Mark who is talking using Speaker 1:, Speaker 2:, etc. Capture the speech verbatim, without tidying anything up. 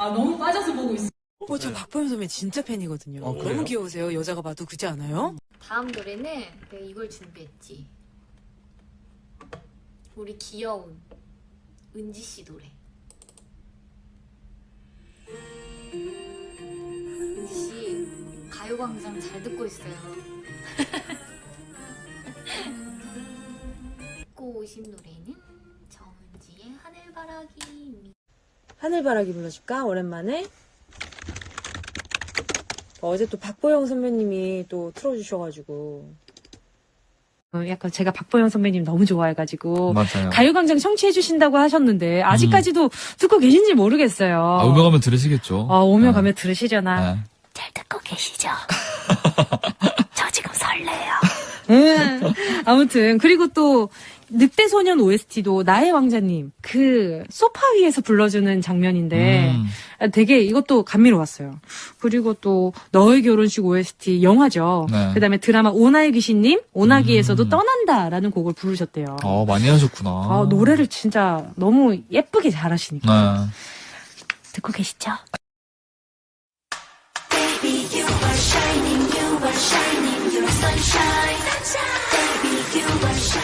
Speaker 1: 아, 너무 빠져서 보고 있어.
Speaker 2: 어, 저 박보영 선배 진짜 팬이거든요.
Speaker 3: 어, 그래요?
Speaker 2: 너무 귀여우세요. 여자가 봐도 그렇지 않아요?
Speaker 4: 다음 노래는 내가 이걸 준비했지. 우리 귀여운 은지 씨 노래. 은지 씨 가요광장 잘 듣고 있어요. 듣고 오신 노래는 정은지의 하늘바라기.
Speaker 2: 하늘바라기 불러줄까? 오랜만에. 어제 또 박보영 선배님이 또 틀어주셔가지고. 어, 약간 제가 박보영 선배님 너무 좋아해가지고.
Speaker 3: 맞아요.
Speaker 2: 가요광장 청취해주신다고 하셨는데, 아직까지도 듣고 계신지 모르겠어요.
Speaker 3: 아, 오며 가면 들으시겠죠.
Speaker 2: 어, 오며
Speaker 3: 네.
Speaker 2: 가면 들으시려나.
Speaker 3: 네.
Speaker 2: 잘 듣고 계시죠? 저 지금 설레요. 음, 아무튼 그리고 또 늑대소년 오에스티도 나의 왕자님 그 소파 위에서 불러주는 장면인데
Speaker 3: 음.
Speaker 2: 되게 이것도 감미로웠어요. 그리고 또 너의 결혼식 오에스티 영화죠.
Speaker 3: 네.
Speaker 2: 그다음에 드라마 오나의 귀신님 오나기에서도
Speaker 3: 음.
Speaker 2: 떠난다라는 곡을 부르셨대요.
Speaker 3: 어, 많이 하셨구나.
Speaker 2: 아, 노래를 진짜 너무 예쁘게 잘하시니까.
Speaker 3: 네.
Speaker 2: 듣고 계시죠?
Speaker 5: Baby, you are shining, you are shining, you're sunshine. Sunshine. Baby, you are shining.